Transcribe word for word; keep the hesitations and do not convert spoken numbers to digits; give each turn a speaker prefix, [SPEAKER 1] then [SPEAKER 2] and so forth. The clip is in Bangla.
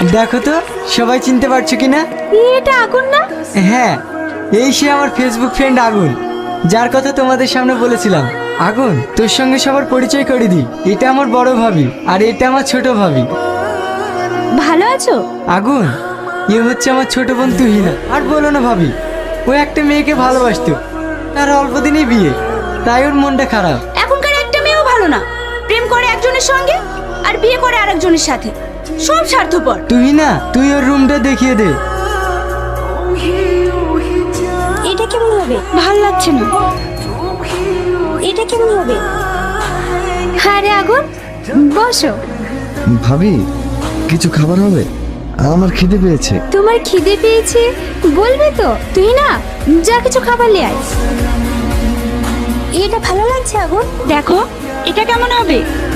[SPEAKER 1] দেখো তো সবাই চিনতে পারছো কিনা?
[SPEAKER 2] এটা আগুন না?
[SPEAKER 1] হ্যাঁ, এই সে আমার ফেসবুক ফ্রেন্ড আগুন, যার কথা তোমাদের সামনে বলেছিলাম। আগুন, তোর সঙ্গে সবার পরিচয় করে দিই। এটা আমার বড় ভাবি আর এটা আমার ছোট ভাবি।
[SPEAKER 2] ভালো আছো?
[SPEAKER 1] আগুন, এ হচ্ছে আমার ছোট বোন তুহিনা। আর বলো না ভাবি, ও একটা মেয়েকে ভালোবাসতো, তার অল্প দিনেই বিয়ে, তাই ওর মনটা খারাপ।
[SPEAKER 2] এখনকার একটা মেয়েও ভালো না, প্রেম করে একজনের সঙ্গে আর বিয়ে করে আরেকজনের সাথে, সব স্বার্থপর।
[SPEAKER 1] তুহিনা, তুই ওর রুমটা দেখিয়ে দে।
[SPEAKER 2] এটা কেমন হবে? ভাল লাগছে না। এটা কেমন হবে? আরে আগুন, বসো।
[SPEAKER 3] ভাবি, কিছু খাবার হবে? আমার খিদে পেয়েছে।
[SPEAKER 2] তোমার খিদে পেয়েছে বলবে তো? তুই না যা কিছু খাবার নিয়ে আয়। এটা ভালো লাগছে আগুন? দেখো এটা কেমন হবে?